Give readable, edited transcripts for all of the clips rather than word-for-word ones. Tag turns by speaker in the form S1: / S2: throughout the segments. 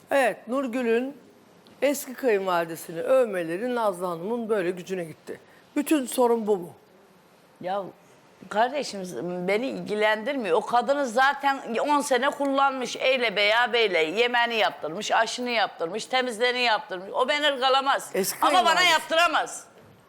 S1: Evet, Nurgül'ün eski kayınvalidesini övmeleri Nazlı Hanım'ın böyle gücüne gitti. Bütün sorun bu mu?
S2: Ya kardeşim beni ilgilendirmiyor. O kadını zaten 10 sene kullanmış. Eyle beya beyle. Yemeğini yaptırmış, aşını yaptırmış, temizliğini yaptırmış. O beni ırgalamaz.
S1: Eski
S2: Ama bana
S1: kayınvalidesi.
S2: yaptıramaz.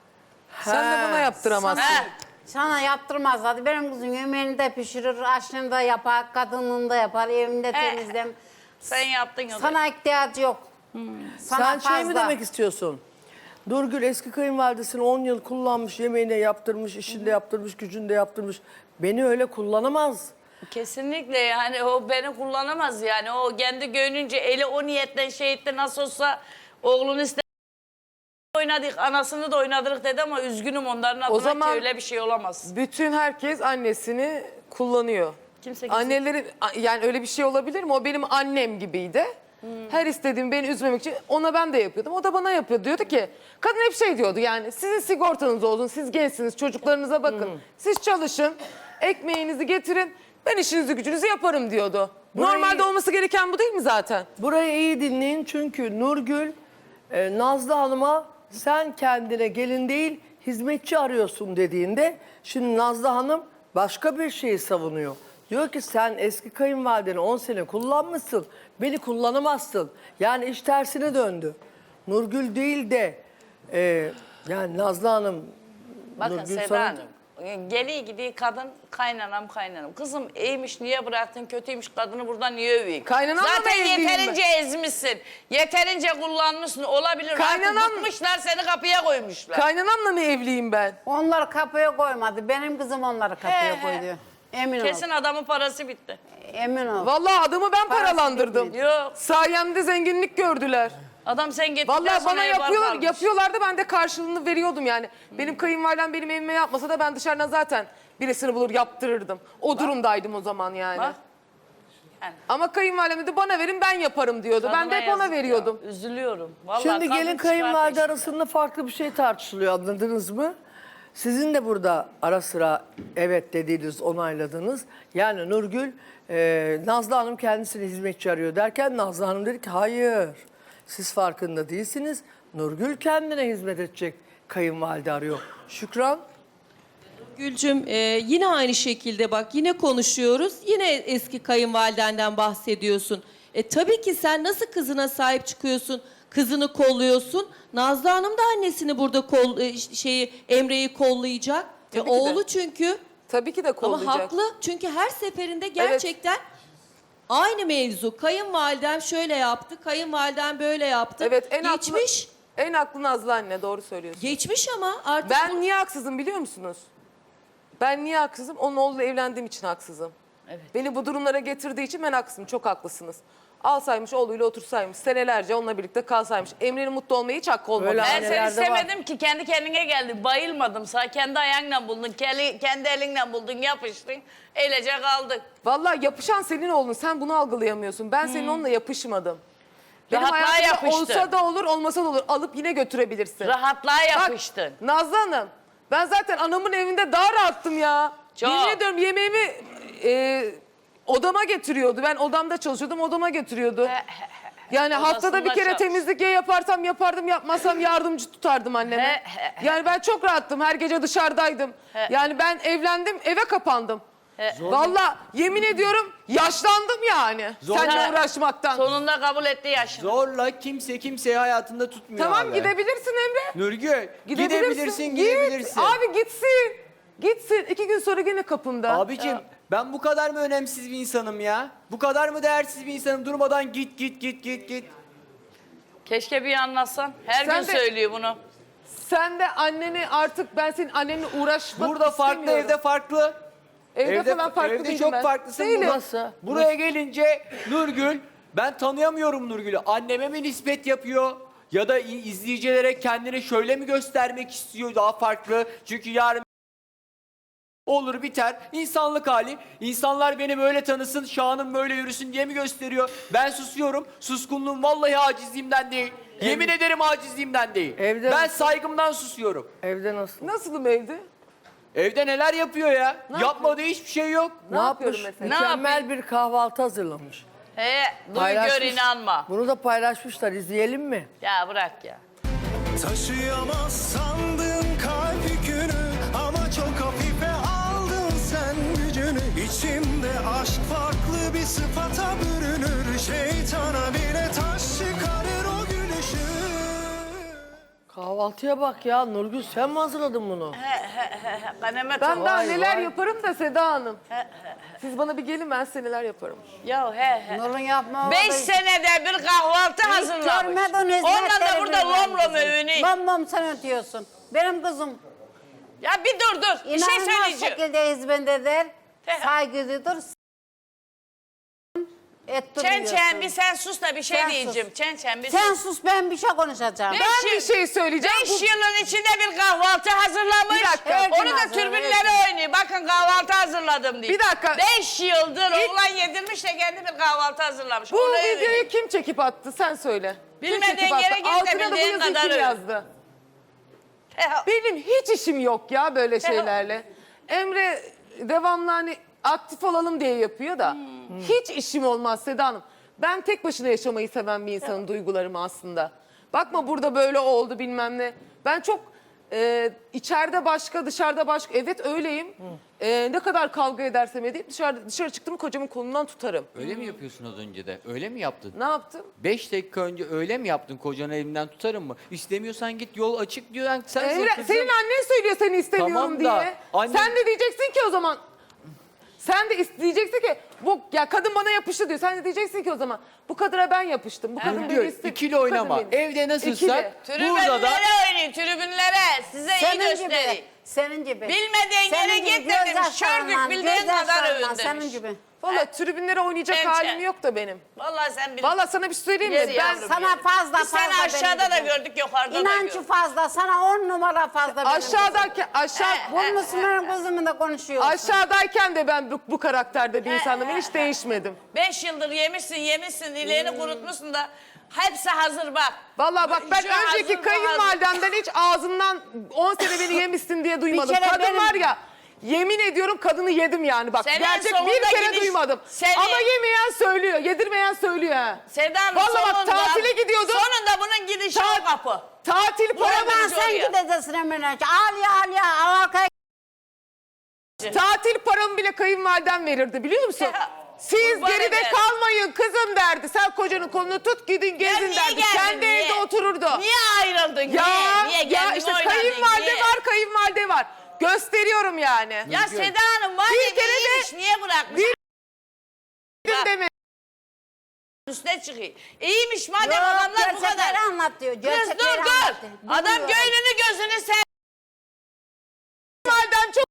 S3: Sen de bana yaptıramazsın.
S2: He.
S4: Sana yaptırmaz. Hadi benim kızım yemeğini de pişirir, aşını da yapar, kadınlığını da yapar, evinde temizlem.
S2: Sen yaptın ya.
S4: Sana ihtiyacı yok. Sana
S1: Sen şey mi
S4: fazla.
S1: demek istiyorsun? Nurgül eski kayınvalidesini 10 yıl kullanmış, yemeğine yaptırmış, işinde yaptırmış, gücünde yaptırmış. Beni öyle kullanamaz.
S2: Kesinlikle yani o beni kullanamaz yani. O kendi gönlünce eli o niyetten şehitle nasıl olsa oğlunu oynadık, anasını da oynadık dedi ama üzgünüm onların adına
S3: zaman-
S2: ki öyle bir şey olamaz.
S3: Bütün herkes annesini kullanıyor.
S2: Kimse-
S3: Anneleri yani öyle bir şey olabilir mi? O benim annem gibiydi. Her istediğim beni üzmemek için ona ben de yapıyordum. O da bana yapıyor. Diyordu ki kadın hep şey diyordu yani sizin sigortanız olsun, siz gençsiniz, çocuklarınıza bakın. Siz çalışın, ekmeğinizi getirin, ben işinizi gücünüzü yaparım diyordu.
S1: Burayı-
S3: Normalde olması gereken bu değil mi zaten?
S1: Burayı iyi dinleyin çünkü Nurgül Nazlı Hanım'a sen kendine gelin değil hizmetçi arıyorsun dediğinde şimdi Nazlı Hanım başka bir şeyi savunuyor. Diyor ki sen eski kayınvalideni 10 sene kullanmışsın, beni kullanamazsın. Yani iş tersine döndü. Nurgül değil de yani Nazlı Hanım...
S2: Bakın
S1: Nurgül
S2: Seda
S1: sana-
S2: Hanım, geliği gidiği kadın kaynanam kaynanam. Kızım iyiymiş niye bıraktın, kötüymüş kadını buradan niye öveyim?
S3: Kaynanamla mı
S2: Zaten
S3: evliyim
S2: yeterince ezmişsin, yeterince kullanmışsın. Olabilir
S3: Kaynanam-
S2: artık bıkmışlar seni kapıya koymuşlar.
S3: Kaynanamla mı evliyim ben?
S4: Onları kapıya koymadı. Benim kızım onları kapıya koydu. Emin
S2: Kesin
S4: ol.
S2: adamın parası bitti.
S4: Emin ol.
S3: Vallahi adamı ben paralandırdım.
S2: Yok
S3: Sayemde zenginlik gördüler.
S2: adam sen gittikten
S3: Vallahi
S2: sonra
S3: bana
S2: ev var kalmış.
S3: yapıyorlardı ben de karşılığını veriyordum yani. Benim kayınvalidem benim evime yapmasa da ben dışarıdan zaten birisini bulur yaptırırdım. O durumdaydım o zaman yani.
S2: Bak. Yani.
S3: Ama kayınvalidem de bana verin ben yaparım diyordu. Ben de
S2: Kadına
S3: hep ona
S2: yazık
S3: veriyordum.
S2: ya, üzülüyorum. Vallahi
S1: Şimdi
S2: kadın
S1: gelin
S2: çıkar
S1: kayınvalide
S2: peşinden.
S1: arasında farklı bir şey tartışılıyor, anladınız mı? Sizin de burada ara sıra evet dediğiniz, onayladınız. Yani Nurgül, Nazlı Hanım kendisini hizmetçi arıyor derken Nazlı Hanım dedi ki hayır, siz farkında değilsiniz. Nurgül kendine hizmet edecek kayınvalide arıyor. Şükran?
S5: Gülcüm yine aynı şekilde bak yine konuşuyoruz. Yine eski kayınvalidenden bahsediyorsun. Tabii ki sen nasıl kızına sahip çıkıyorsun? Kızını kolluyorsun. Nazlı Hanım da annesini burada Emre'yi kollayacak.
S3: Tabii ki de.
S5: Oğlu çünkü.
S3: Tabii ki de
S5: Ama
S3: kollayacak.
S5: haklı. Çünkü her seferinde gerçekten aynı mevzu. Kayınvalidem şöyle yaptı, kayınvalidem böyle yaptı.
S3: Evet
S5: Geçmiş.
S3: En haklı Nazlı anne doğru söylüyorsun.
S5: Geçmiş ama artık
S3: Ben niye haksızım biliyor musunuz? Ben niye haksızım? Onun oğluyla evlendiğim için haksızım.
S2: Evet.
S3: Beni bu durumlara getirdiği için ben haksızım. Çok haklısınız. Alsaymış oğluyla otursaymış. Senelerce onunla birlikte kalsaymış. Emre'nin mutlu olmaya hiç hakkı olmadı.
S1: Öyle
S2: Ben seni
S1: Annelerde
S2: istemedim ki kendi kendine geldi. Bayılmadım. Sana kendi ayağınla buldun, kendi elinle buldun, yapıştın. Eylece kaldık.
S3: Vallahi yapışan senin oğlun. Sen bunu algılayamıyorsun. Ben senin onunla yapışmadım. Benim
S2: Rahatlığa
S3: hayatımda
S2: yapıştın.
S3: olsa da olur, olmasa da olur. Alıp yine götürebilirsin.
S2: Rahatlığa
S3: Bak,
S2: yapıştın.
S3: Nazlı Hanım, ben zaten anamın evinde daha rahattım ya.
S2: Çok.
S3: Yemin ediyorum yemeğimi odama getiriyordu. Ben odamda çalışıyordum, odama getiriyordu. Yani haftada bir
S2: Odasında
S3: kere
S2: çalış.
S3: temizlik ya yaparsam yapardım, yapmasam yardımcı tutardım anneme. Yani ben çok rahattım, her gece dışarıdaydım. Yani ben evlendim, eve kapandım. Vallahi yemin ediyorum yaşlandım yani seninle uğraşmaktan.
S2: Sonunda kabul etti yaşını.
S6: Zorla kimse kimseyi hayatında tutmuyor
S3: Tamam
S6: abi.
S3: gidebilirsin Emre.
S6: Nurgül gidebilirsin
S3: Git.
S6: gidebilirsin.
S3: Abi gitsin. Gitsin. 2 gün sonra gene kapımda.
S6: Abicim ben bu kadar mı önemsiz bir insanım ya? Bu kadar mı değersiz bir insanım? Durmadan git.
S2: Keşke bir anlatsan. Her
S3: Sen
S2: gün
S3: de-
S2: söylüyor bunu.
S3: Sen de anneni artık ben senin annenle uğraşmak
S6: Burada farklı,
S3: istemiyorum.
S6: evde farklı.
S3: Evde falan farklı
S6: evde
S3: değilim
S6: çok
S3: ben.
S6: farklısın.
S3: Değilim.
S1: Nasıl?
S6: Buraya gelince Nurgül, ben tanıyamıyorum Nurgül'ü. Anneme mi nispet yapıyor? Ya da izleyicilere kendini şöyle mi göstermek istiyor daha farklı? Çünkü yarın olur biter. İnsanlık hali. İnsanlar beni böyle tanısın, şanım böyle yürüsün diye mi gösteriyor? Ben susuyorum. Suskunluğum vallahi acizliğimden değil. Yemin ederim acizliğimden değil.
S1: Evde
S6: ben
S1: nasıl?
S6: saygımdan susuyorum.
S1: Evde nasıl?
S3: Nasılım evde?
S6: Evde neler yapıyor ya? Yapmadığı hiçbir şey yok.
S1: Ne
S3: yapıyorum
S1: yapmış?
S3: mesela?
S1: Mükemmel bir kahvaltı hazırlamış.
S2: He, duy gör inanma.
S1: Bunu da paylaşmışlar. İzleyelim mi?
S2: Ya bırak ya.
S7: Taşıyamaz sandım kalp yükünü ama çok hafife aldın sen gücünü. İçimde aşk farklı bir sıfata bürünür. Şeytana bile taş çıkarır o gülüşü.
S1: Kahvaltıya bak ya. Nurgül sen mi hazırladın bunu?
S2: Kanemet
S3: Ben daha
S1: Vay,
S3: neler
S1: vay.
S3: yaparım da Seda Hanım. Siz bana bir gelin, ben size neler yaparım.
S2: Ya he.
S4: Nur'un yapma.
S2: 5 senede bir kahvaltı hazırlamış.
S4: Görmedin
S2: Ondan da burada lom lom övünüyor.
S4: Lom lom sen ötüyorsun. Benim kızım
S2: Ya bir dur. Bir şey
S4: inanılmaz
S2: söyleyeceğim.
S4: şekilde hizmet eder.
S2: He.
S4: Saygılıdır. Ettiriyorsun.
S2: Çen bir sen sus da bir şey
S4: Sen
S2: diyeceğim.
S4: sus.
S2: Çen bir
S4: Sen
S2: sus.
S4: sus, ben bir şey konuşacağım.
S3: Ben bir şey söyleyeceğim.
S2: 5 yılın içinde bir kahvaltı hazırlamış.
S3: Bir dakika.
S4: Her gün
S2: Onu da
S4: hazır,
S2: tribünlere
S4: her
S2: oynuyor. Bakın kahvaltı hazırladım diye.
S3: Bir dakika.
S2: 5 yıldır oğlan yedirmiş de kendi bir kahvaltı hazırlamış.
S3: Bu
S2: Onu
S3: videoyu
S2: övünüyor.
S3: kim çekip attı sen söyle. Kim
S2: Bilmediğin
S3: çekip attı?
S2: yere git de
S3: Altına da bu
S2: bildiğin
S3: yazıyı
S2: kadar
S3: kim
S2: öv.
S3: yazdı? Benim hiç işim yok ya böyle şeylerle. Emre devamlı hani aktif olalım diye yapıyor da. Hiç işim olmaz Seda Hanım. Ben tek başına yaşamayı seven bir insanın duygularımı aslında. Bakma burada böyle oldu bilmem ne. Ben çok içeride başka dışarıda başka. Evet öyleyim. Ne kadar kavga edersem edeyim dışarı çıktım kocamın kolundan tutarım.
S6: Öyle mi yapıyorsun az önce de? Öyle mi yaptın?
S3: Ne yaptım?
S6: 5 dakika önce öyle mi yaptın? Kocanı elimden tutarım mı? İstemiyorsan git, yol açık diyor. Yani sen
S3: Emre,
S6: kızım.
S3: senin annen söylüyor seni istemiyorum
S6: Tamam da,
S3: diye.
S6: annem-
S3: Sen de diyeceksin ki o zaman. Sen de diyeceksin ki bu ya kadın bana yapıştı diyor. Sen de diyeceksin ki o zaman bu kadına ben yapıştım. Bu kadın beni
S6: Nurgül,
S3: istedi.
S6: ikili
S3: bu
S6: oynama.
S3: kadın beni-
S6: Evde nasılsak
S3: İkili.
S6: burada da
S2: Tribünlere oynuyor, tribünlere. Size iyi
S4: Senin
S2: göstereyim.
S4: gibi. Senin gibi.
S2: Bilmediğin
S4: Senin
S2: yere
S4: gibi
S2: git dedim.
S4: gözyaşlarla,
S2: Şördük bildiğin kadar
S4: gözyaşlarla,
S2: övün
S4: Senin
S2: demiş.
S4: gibi.
S3: Vallahi tribünlere oynayacak
S2: Bence.
S3: halim yok da benim.
S2: Vallahi sen bil.
S3: Vallahi sana bir şey söyleyeyim mi?
S2: Yes,
S3: Ben
S2: yavrum.
S4: Sana fazla
S2: Biz seni
S4: fazla
S2: aşağıda
S4: benim
S2: da
S4: gibi.
S2: gördük, yukarıda da
S4: İnancı
S2: gördük.
S4: fazla. Sana 10 numara fazla benim kızım.
S3: aşağı
S4: Bulmuşsun benim kızımı da konuşuyorsun.
S3: aşağıdayken de ben bu karakterde bir insandım. Ben hiç değişmedim.
S2: 5 yıldır yemişsin, ileğini kurutmuşsun da hepsi hazır bak.
S3: Vallahi bak ben
S2: Şu hazır,
S3: önceki
S2: bu
S3: kayınvalidemden hiç ağzından 10 sene beni yemişsin diye duymadım.
S4: kere
S3: Kadın
S4: benim-
S3: var ya yemin ediyorum kadını yedim yani bak.
S2: Senin
S3: Gerçek
S2: sonunda
S3: bir kere
S2: gidiş-
S3: duymadım.
S2: Seni-
S3: Ama yemeyen söylüyor, yedirmeyen söylüyor ha.
S2: Seda'nın
S3: Vallahi bak,
S2: sonunda,
S3: tatile gidiyordum.
S2: Sonunda bunun gidişi o kapı.
S3: Tatil
S2: Buradan
S3: paramı,
S4: Buradan sen
S2: oraya.
S4: gideceksin Emine. Al ya arkaya.
S3: tatil paramı bile kayınvalidem verirdi biliyor musun?
S2: Ya,
S3: Siz
S2: kurban
S3: geride
S2: ederim.
S3: kalmayın kızım derdi. Sen kocanın kolunu tut gidin
S2: Ya
S3: gezin
S2: niye
S3: derdi.
S2: geldin,
S3: Kendi
S2: niye?
S3: evde otururdu.
S2: Niye ayrıldın?
S3: Ya,
S2: Niye
S3: ya
S2: geldin
S3: işte
S2: oynadın?
S3: kayınvalide
S2: Niye?
S3: var, kayınvalide var. Gösteriyorum yani.
S2: Ya Seda Hanım var
S3: Bir
S2: ya
S3: kere de-
S2: iyiymiş, niye bırakmış?
S3: Bir-
S2: Bak,
S3: Deme.
S2: üstüne çıkıyor. İyiymiş madem
S4: Yok,
S2: adamlar bu
S4: gerçekleri
S2: kadar.
S4: anlat diyor.
S2: Kız
S4: Gerçekleri
S2: dur dur.
S4: anlat diyor.
S2: Adam
S4: Bilmiyorum.
S2: göğnünü gözünü sen.
S3: Kayınvalidem çok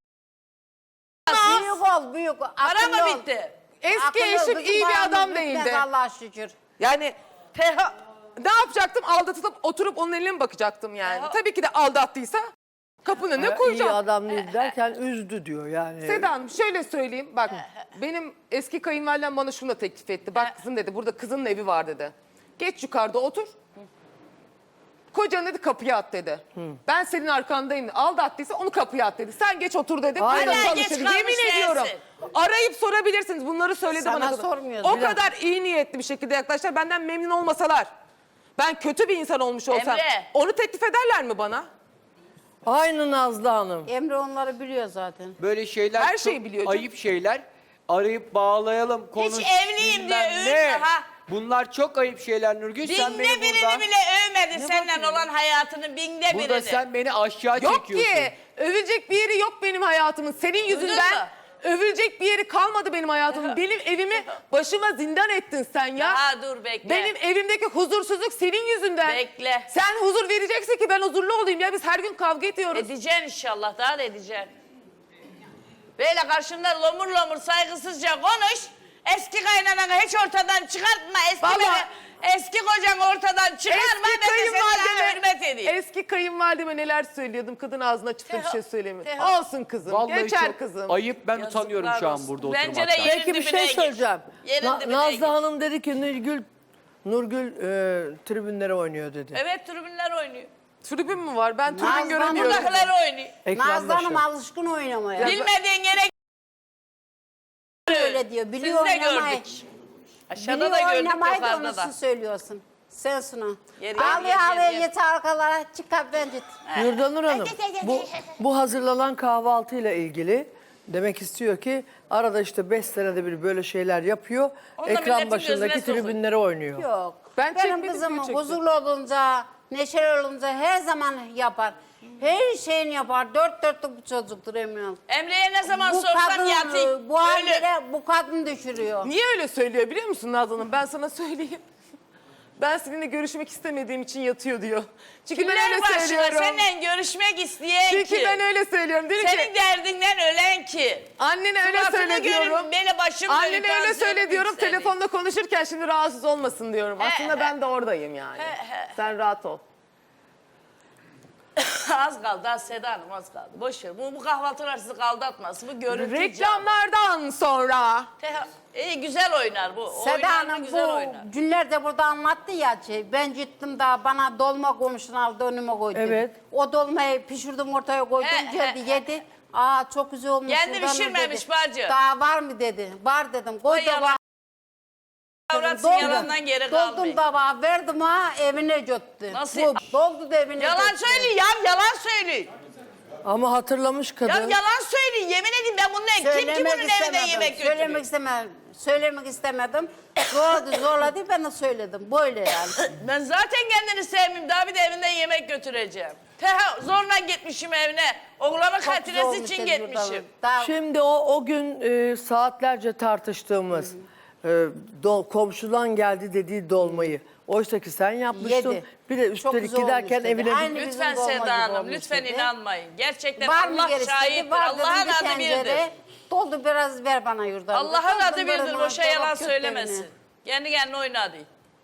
S4: Büyük ol büyük.
S2: Para
S4: Akıllı
S2: mı
S4: ol.
S2: bitti?
S3: eski
S4: Akıllı ol.
S3: eşim
S4: Kızım
S3: iyi bir
S4: paramız
S3: adam
S4: bitmez
S3: değildi.
S4: Allah'a şükür.
S3: Yani ne yapacaktım? Aldatılıp oturup onun eline mi bakacaktım yani?
S2: Teha-
S3: Tabii ki de aldattıysa kapının önüne
S1: Ya, iyi
S3: koyacağım.
S1: adam değil derken üzdü diyor yani.
S3: Seda Hanım şöyle söyleyeyim bak benim eski kayınvalidem bana şunu da teklif etti. Bak kızım dedi burada kızının evi var dedi. Geç yukarıda otur. Kocan dedi kapıya at dedi. Ben senin arkandayım. Aldattıysa onu kapıya at dedi. Sen geç otur dedi.
S1: Aynen.
S3: Burada
S2: Hala geç
S3: çalışır.
S2: kalmış
S3: Yemin ediyorum.
S2: dersin.
S3: Arayıp sorabilirsiniz. Bunları söyledi
S4: Sana
S3: bana. Kadın.
S4: sormuyoruz,
S3: O
S4: bir dakika.
S3: kadar iyi niyetli bir şekilde yaklaştılar. Benden memnun olmasalar. Ben kötü bir insan olmuş olsam.
S2: Emre.
S3: Onu teklif ederler mi bana?
S1: Aynı Nazlı Hanım.
S4: Emre onları biliyor zaten.
S6: böyle şeyler
S3: Her
S6: çok
S3: şeyi biliyor canım.
S6: ayıp şeyler. Arayıp bağlayalım, konuş.
S2: evliyim
S6: bilmem
S2: diye
S6: ne.
S2: övme ha.
S6: Bunlar çok ayıp şeyler Nurgül. Sen
S2: Binde
S6: beni
S2: birini
S6: burada,
S2: bile övmedi seninle olan hayatını binde
S6: burada
S2: birini.
S6: sen beni aşağı
S3: Yok
S6: çekiyorsun.
S3: ki. Övülecek bir yeri yok benim hayatımın. Senin yüzünden
S2: mu?
S3: övülecek bir yeri kalmadı benim hayatımın. Benim evimi başıma zindan ettin sen ya.
S2: Daha dur bekle.
S3: Benim evimdeki huzursuzluk senin yüzünden.
S2: Bekle.
S3: Sen huzur vereceksin ki ben huzurlu olayım ya. Biz her gün kavga ediyoruz.
S2: Edeceksin inşallah, daha da edeceksin. Böyle karşımda lomur lomur saygısızca konuş. Eski kaynananı hiç ortadan çıkartma.
S3: Vallahi-
S2: Eski kocanı ortadan çıkarma. Ben de seninle hürmet edeyim.
S3: Eski kayınvalideme neler söylüyordum. Kadın ağzına açıp bir şey söylemiyor.
S2: Teha-
S3: Olsun kızım.
S6: Vallahi
S3: Geçer
S6: çok
S3: kızım.
S6: ayıp. Ben
S2: Yazıklar
S6: utanıyorum şu an
S2: olsun.
S6: burada
S2: Bence de
S6: oturmaktan.
S2: yerin
S1: Peki bir
S2: dibine
S1: şey
S2: gir.
S1: söyleyeceğim.
S2: Yerin dibine
S1: Nazlı
S2: gir.
S1: Hanım dedi ki Nurgül tribünlere oynuyor dedi.
S2: Evet tribünler oynuyor.
S3: Tribün mü var? Ben tribün
S4: Nazlı
S3: göremiyorum.
S4: Hanım-
S2: Buradakiler oynuyor.
S4: Nazlı Hanım
S1: Ekrandaşı.
S4: alışkın oynamaya.
S2: Bilmediğin yere
S4: Öyle diyor. Biliyor
S2: Siz de
S4: oynamayı.
S2: gördük. Aşağıda da
S4: Biliyor
S2: gördük,
S4: oynamayı da
S2: yukarıda
S4: onu
S2: da.
S4: söylüyorsun. Sen Suna.
S2: Geri,
S4: Ağlaya
S2: geri.
S4: yeter arkalara çıkar ben git.
S1: Yurdanur Hanım, bu hazırlanan kahvaltıyla ilgili demek istiyor ki arada işte 5 senede bir böyle şeyler yapıyor.
S2: Onu da
S1: Ekran
S2: milletin
S1: başındaki
S2: gözüne sokuyor.
S1: tribünlere oynuyor.
S4: Yok.
S3: Ben
S4: Benim
S3: çekmedim,
S4: kızım
S3: diyor çekti.
S4: huzurlu olunca, neşeli olunca her zaman yapar. Her şeyini yapar. Dört dörtlük bir çocuktur emin ol.
S2: Emre'ye ne zaman
S4: Bu
S2: sorsam
S4: kadın
S2: yatayım.
S4: bu
S2: Ölür.
S4: hallere bu kadın düşürüyor.
S3: Niye öyle söylüyor biliyor musun Nazlı Hanım? Ben sana söyleyeyim. Ben seninle görüşmek istemediğim için yatıyor diyor. Çünkü ben
S2: Kimler
S3: öyle
S2: başına
S3: söylüyorum.
S2: seninle görüşmek isteyen
S3: Çünkü
S2: ki?
S3: ben öyle söylüyorum. Dedim
S2: Senin
S3: ki
S2: derdinden ölen ki?
S3: annene öyle
S2: Suratını
S3: söyle diyorum.
S2: görün, beni başım
S3: Annene
S2: dönüp
S3: öyle söyle
S2: tansiyonum
S3: diyorum.
S2: yükseliyor.
S3: Telefonda konuşurken şimdi rahatsız olmasın diyorum. Aslında ben de oradayım yani. Sen rahat ol.
S2: Az kaldı, az Seda Hanım az kaldı. Boş ver. Bu kahvaltılar sizi kaldatmasın. Bu görüntü canlı.
S3: Reklamlardan sonra.
S2: İyi güzel oynar bu.
S4: Seda
S2: Oynar mı
S4: Hanım
S2: güzel
S4: bu
S2: oynar.
S4: günlerde burada anlattı ya şey. Ben gittim da bana dolma komşunu aldı önüme koydu.
S1: Evet.
S4: O dolmayı pişirdim ortaya koydum geldi yedi. Aa çok güzel olmuş.
S2: Kendi
S4: Nurdan Nur
S2: pişirmemiş
S4: dedi.
S2: bacı.
S4: Daha var mı dedi. Var dedim. Koy
S2: O yalan.
S4: tabağa.
S2: Avratsın yalandan geri kalmayın.
S4: Doldum tabağı verdim ha evine götürdü.
S2: Nasıl?
S4: Bu, doldu da evine
S2: Yalan
S4: götürdü.
S2: söyle ya, yalan söyle.
S1: Ama hatırlamış
S2: Ya
S1: kadın.
S2: yalan söyle, yemin edeyim ben bununla kim ki bunun evine yemek götürüyor?
S4: Söylemek istemedim. Zorladı ben de söyledim. Böyle yani.
S2: Ben zaten kendini sevmeyeyim, daha bir de evinden yemek götüreceğim. Zorla gitmişim evine. Oğlanın
S4: Çok güzel
S2: hatiresi
S4: olmuş
S2: için
S4: dedi burada.
S2: gitmişim.
S4: Daha
S1: Şimdi o gün saatlerce tartıştığımız komşudan geldi dediği dolmayı. Oysa ki sen yapmıştın.
S4: Yedi.
S1: Bir de
S4: Çok
S1: üstelik
S4: güzel
S1: giderken
S4: olmuş dedi.
S1: evine
S4: Aynı
S1: git-
S2: Lütfen
S4: bizim dolma gibi
S2: Seda Hanım,
S4: olmuş
S2: lütfen
S4: dedi.
S2: inanmayın. Gerçekten
S4: var mı
S2: Allah
S4: gerisi dedi.
S2: şahittir.
S4: Var dedim
S2: Allah'ın
S4: bir
S2: adı
S4: tencere.
S2: birdir.
S4: Doldu biraz ver bana yurdan.
S2: Allah'ın adı birdir.
S4: Doldum,
S2: Boşa
S4: dolap
S2: yalan
S4: köfteğini.
S2: söylemesin. Kendi kendine oynadı.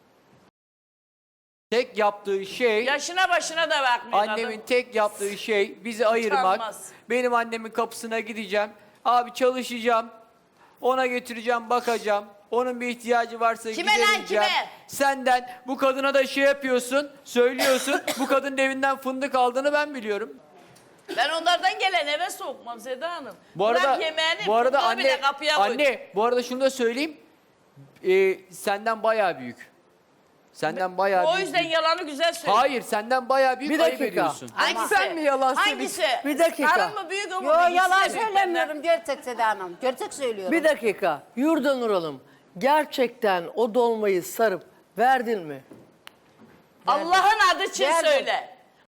S6: Tek yaptığı şey,
S2: Yaşına başına da bakmıyor
S6: annemin
S2: kadın.
S6: tek yaptığı şey bizi ayırmak.
S2: Utanmaz.
S6: Benim annemin kapısına gideceğim. Abi çalışacağım. Ona götüreceğim, bakacağım. Onun bir ihtiyacı varsa
S2: Kime lan,
S6: gidereceğim.
S2: kime?
S6: Senden bu kadına da şey yapıyorsun, söylüyorsun. Bu kadının evinden fındık aldığını ben biliyorum.
S2: Ben onlardan gelen eve sokmam Seda Hanım.
S6: Bu arada
S2: Bırak yemeğini,
S6: bu arada
S2: fındığı
S6: anne
S2: bile kapıya koydum.
S6: anne bu arada şunu da söyleyeyim. Senden bayağı büyük. Senden bayağı
S2: O
S6: büyük.
S2: yüzden yalanı güzel söylüyor.
S6: Hayır, senden bayağı büyük
S1: Bir
S6: ayıp
S1: dakika.
S6: ediyorsun.
S2: Hangisi?
S3: Sen mi yalan
S2: Hangisi?
S1: Bir dakika.
S2: Karın mı büyük ama
S4: Yo
S2: bilgisi
S4: yalan
S2: de büyük
S4: söylemiyorum. Gerçek Seda Hanım. Gerçek söylüyorum.
S1: Bir dakika. Yurdanur Hanım, gerçekten o dolmayı sarıp verdin mi?
S2: benden. Allah'ın adı için
S4: Verdim.
S2: söyle.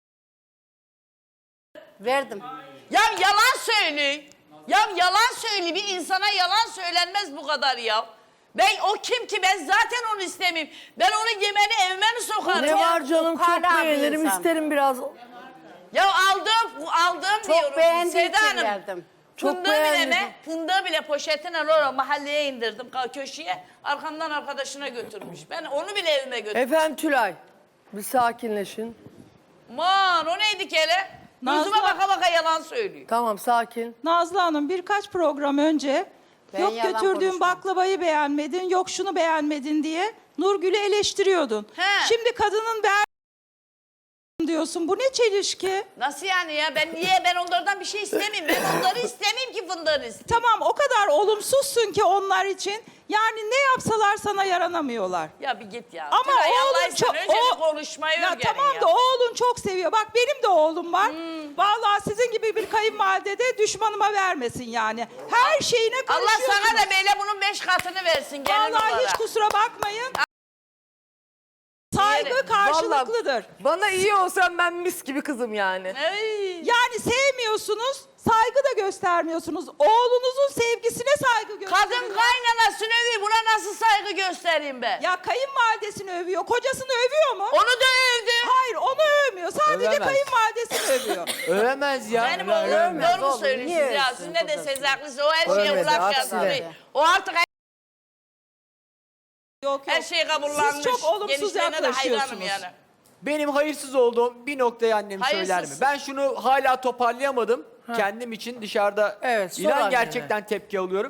S4: Verdim.
S2: Ya yalan söyle. Ya yalan söyle. Bir insana yalan söylenmez bu kadar ya. Ben o kim ki? Ben zaten onu istemeyeyim. Ben onun yemeğini evime mi sokarım?
S1: Ne
S2: ya?
S1: var canım, çok
S4: ukala bir
S1: beğenirim,
S4: insan.
S1: isterim biraz.
S2: Ya aldım
S4: Çok
S2: diyorum.
S4: beğendiği
S2: Seda
S4: için
S2: Hanım.
S4: verdim.
S1: Çok
S2: Fındığı
S1: beğendim.
S2: bile fındığı bile poşetine oraya mahalleye indirdim köşeye. Arkamdan arkadaşına götürmüş. Ben onu bile evime götürdüm.
S1: Efendim Tülay, bir sakinleşin.
S2: Aman o neydi ki hele? Gözüme
S5: Nazlı-
S2: baka baka yalan söylüyor.
S1: Tamam, sakin.
S5: Nazlı Hanım birkaç program önce
S4: Ben
S5: yok
S4: yalan
S5: götürdüğün
S4: konuşmam.
S5: baklavayı beğenmedin, yok şunu beğenmedin diye Nurgül'ü eleştiriyordun.
S2: He.
S5: Şimdi kadının diyorsun. Bu ne çelişki?
S2: Nasıl yani ya? Ben onlardan bir şey istemeyeyim. Ben onları istemeyeyim ki fındığını isteyeyim.
S5: Tamam o kadar olumsuzsun ki onlar için. Yani ne yapsalar sana yaranamıyorlar.
S2: Ya bir git ya.
S5: Ama
S2: Tülay,
S5: oğlum
S2: Allah için
S5: çok...
S2: önce bir konuşmayı
S5: Ya
S2: öğrenin
S5: tamam
S2: ya.
S5: da oğlun çok seviyor. Bak benim de oğlum var. Vallahi sizin gibi bir kayınvalide de düşmanıma vermesin yani. Her şeyine
S2: Allah
S5: karışıyorsunuz.
S2: sana da böyle bunun 5 katını versin gelin
S5: Vallahi
S2: olarak.
S5: hiç kusura bakmayın. Saygı karşılıklıdır.
S3: Bana iyi olsan ben mis gibi kızım yani.
S2: Ey.
S5: Yani sevmiyorsunuz, saygı da göstermiyorsunuz. Oğlunuzun sevgisine saygı gösterin.
S2: Kadın kaynanasını övüyor. Buna nasıl saygı göstereyim ben?
S5: Ya kayınvalidesini övüyor, kocasını övüyor mu?
S2: Onu da övdü.
S5: Hayır, onu övmüyor. Sadece
S6: Övemez.
S5: kayınvalidesini övüyor.
S6: Övemez ya.
S2: Benim oğlum doğru mu
S4: oğlum,
S2: söylüyorsunuz
S4: niye
S2: ya?
S4: övsün
S2: Siz ne
S4: kocasını?
S2: deseniz haklısınız. O her şeye
S1: Övmedi,
S2: kulak
S1: aksine.
S2: yazdı. O artık
S5: Yok
S2: her şeye kabullanmış.
S5: Siz çok olumsuz
S2: Genişlerine de hayranım
S5: yaklaşıyorsunuz.
S2: yani.
S6: Benim hayırsız olduğum bir noktayı annem söyler mi?
S2: Hayırsız.
S6: Ben şunu hala toparlayamadım. Kendim için dışarıda
S1: Evet, sor
S6: inan
S1: annene.
S6: gerçekten tepki alıyorum.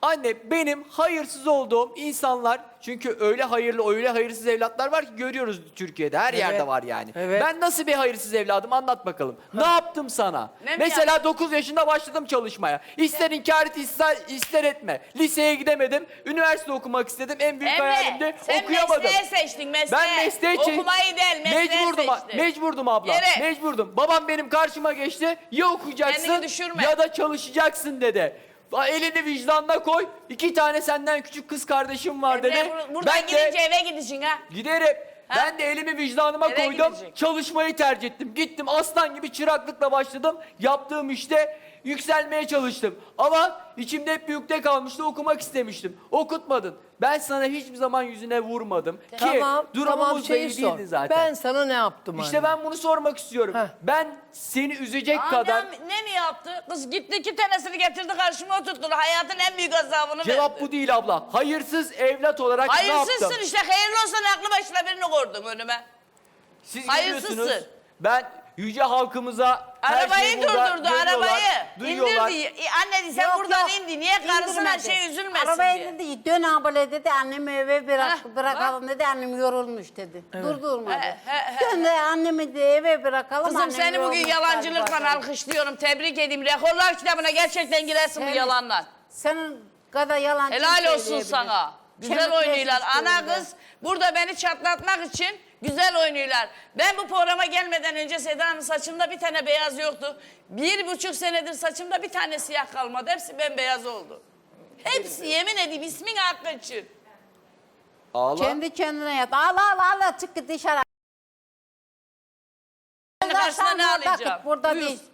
S6: Anne benim hayırsız olduğum insanlar, çünkü öyle hayırlı öyle hayırsız evlatlar var ki görüyoruz Türkiye'de, her yerde var yani.
S1: Evet.
S6: Ben nasıl bir hayırsız evladım, anlat bakalım. Ne yaptım sana?
S2: Ne mi
S6: Mesela
S2: yaptın?
S6: 9 yaşında başladım çalışmaya. İster inkar et ister etme. Liseye gidemedim. Üniversite okumak istedim. En büyük hayalimdi.
S2: sen
S6: Okuyamadım.
S2: mesleği seçtin mesleği.
S6: Ben mesleği
S2: Okumayı değil mesleği seçtin.
S6: Mecburdum abla.
S2: Evet.
S6: Mecburdum. Babam benim karşıma geçti. Ya okuyacaksın
S2: Kendini düşürme.
S6: ya da çalışacaksın dedi. Elini vicdanına koy. 2 tane senden küçük kız kardeşim var dedi.
S2: Buradan gidince eve gideceksin ha.
S6: Giderim.
S2: Ha?
S6: Ben de elimi vicdanıma
S2: Eve
S6: koydum.
S2: gidecek.
S6: Çalışmayı tercih ettim. Gittim aslan gibi çıraklıkla başladım. Yaptığım işte yükselmeye çalıştım. Ama içimde hep bir yükte kalmıştı. Okumak istemiştim. Okutmadın. Ben sana hiçbir zaman yüzüne vurmadım. Ki
S1: Tamam,
S6: durumumuz da
S1: şeyi
S6: iyi
S1: sor.
S6: değildi zaten.
S1: Ben sana ne yaptım
S6: İşte
S1: anne?
S6: ben bunu sormak istiyorum.
S1: Heh.
S6: Ben seni üzecek kadar...
S2: Annem ne mi yaptı? Kız gitti 2 tanesini getirdi karşıma oturttu. Hayatın en büyük azabını
S6: Cevap
S2: verdi.
S6: bu değil abla. Hayırsız evlat olarak ne yaptım?
S2: Hayırsızsın işte. Hayırlı olsan aklı başına birini koydun önüme.
S6: Siz
S2: Hayırsızsın.
S6: görüyorsunuz. Ben yüce halkımıza her
S2: Arabayı
S6: şeyi burada
S2: durdurdu
S6: görüyorlar,
S2: arabayı.
S6: duyuyorlar.
S2: İndirdi. Anne sen
S4: Yok,
S2: buradan
S4: yok.
S2: indi. Niye karısına
S4: İndirmedi.
S2: şey üzülmesin
S4: Arabaya
S2: diye.
S4: dedi dön abla dedi annemi eve
S2: Heh,
S4: bırakalım dedi annem yorulmuş dedi. Durdurmadı.
S2: He.
S4: Dön de annemi de eve bırakalım.
S2: Kızım
S4: annem
S2: seni bugün
S4: yorulmuş
S2: yalancılıkla
S4: dedi.
S2: alkışlıyorum. Tebrik edeyim. Rekorlar kitabına gerçekten girersin bu
S4: Evet.
S2: yalanlar.
S4: Senin kadar yalancı
S2: Helal olsun
S4: söyleyebilir.
S2: sana. Güzel
S4: Kemik
S2: oynuyorlar.
S4: resmi
S2: Ana
S4: üstünde.
S2: kız burada beni çatlatmak için güzel oynuyorlar. Ben bu programa gelmeden önce Seda'nın saçımda bir tane beyaz yoktu. 1,5 senedir saçımda bir tane siyah kalmadı. Hepsi bembeyaz oldu. Hepsi yemin edeyim ismin hakkı için.
S6: Ağla.
S4: Kendi kendine yat. Ağla çık git dışarı.
S2: Karşısına ne
S4: Akşam orada
S2: alacağım?
S4: kıt, burada
S2: Buyur.
S4: değil.